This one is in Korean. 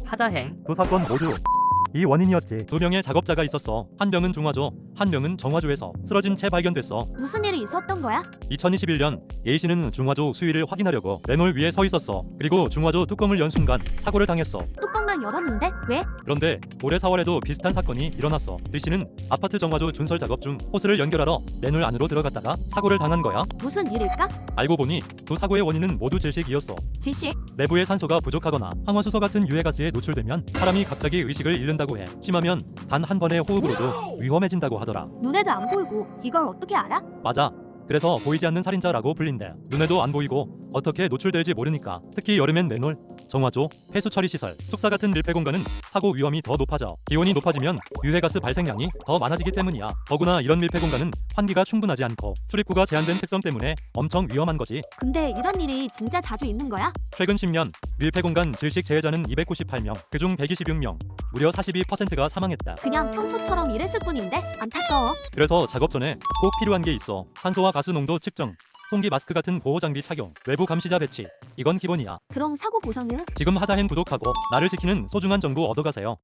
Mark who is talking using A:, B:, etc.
A: 하다행.
B: 두 사건 모두 이 원인이었지.
C: 두 명의 작업자가 있었어. 한 명은 중화조, 한 명은 정화조에서 쓰러진 채 발견됐어.
D: 무슨 일이 있었던 거야?
C: 2021년 A씨는 중화조 수위를 확인하려고 맨홀 위에 서 있었어. 그리고 중화조 뚜껑을 연 순간 사고를 당했어.
D: 뚜껑만 열었는데 왜?
C: 그런데 올해 4월에도 비슷한 사건이 일어났어. B씨는 아파트 정화조 준설 작업 중 호스를 연결하러 맨홀 안으로 들어갔다가 사고를 당한 거야.
D: 무슨 일일까?
C: 알고 보니 두 사고의 원인은 모두 질식이었어.
D: 질식?
C: 내부에 산소가 부족하거나 황화수소 같은 유해가스에 노출되면 사람이 갑자기 의식을 잃는다고 해. 심하면 단 한 번의 호흡으로도 위험해진다고 하더라.
D: 눈에도 안 보이고 이걸 어떻게 알아?
C: 맞아. 그래서 보이지 않는 살인자라고 불린대. 눈에도 안 보이고 어떻게 노출될지 모르니까. 특히 여름엔 맨홀, 정화조, 폐수 처리 시설, 숙사 같은 밀폐 공간은 사고 위험이 더 높아져. 기온이 높아지면 유해가스 발생량이 더 많아지기 때문이야. 더구나 이런 밀폐 공간은 환기가 충분하지 않고 출입구가 제한된 특성 때문에 엄청 위험한 거지.
D: 근데 이런 일이 진짜 자주 있는 거야?
C: 최근 10년 밀폐 공간 질식 재해자는 298명, 그중 126명, 무려 42%가 사망했다.
D: 그냥 평소처럼 일했을 뿐인데 안타까워.
C: 그래서 작업 전에 꼭 필요한 게 있어. 산소와 가스 농도 측정, 송기 마스크 같은 보호 장비 착용, 외부 감시자 배치. 이건 기본이야.
D: 그럼 사고 보상은?
C: 지금 하다행 구독하고 나를 지키는 소중한 정보 얻어가세요.